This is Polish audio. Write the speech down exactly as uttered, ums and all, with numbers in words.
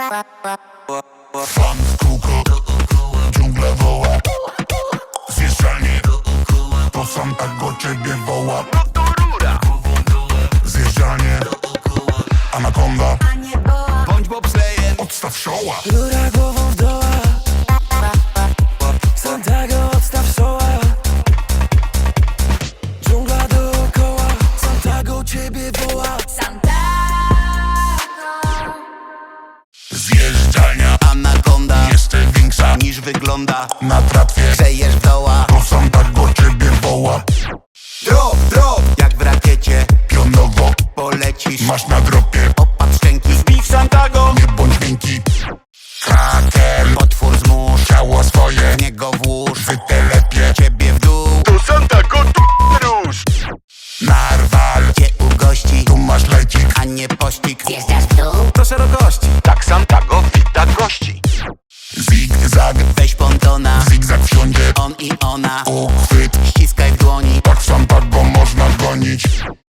Fan w kółko, dżungla woła. Zjeżdżalnie, to Santago ciebie woła. Zjeżdżalnie, anakonda, Bądź bobslejem, odstaw szoła. Rura głową w doła, Santago odstaw soła. Dżungla dookoła, Santago ciebie woła. Zjeżdżalnia, anakonda, jeszcze większa niż wygląda. na tratwie, Grzejesz doła, to Santago ciebie woła. drop, drop, jak w rakiecie. Pionowo, Polecisz, masz na dropie, opatrz szczęki. Zbij Santago, nie bądź miękki. Kraker, potwór zmóż, ciało swoje, w niego włóż. wytelepie. Ciebie w dół, To Santago tu róż. Narwal, cię ugości, tu masz lecik. a nie pościg. Zjeżdżasz w dół, Do szerokości, Tak Santago wita gości. Zigzag, weź pontona, zigzag wsiądzie. on i ona. Uchwyt,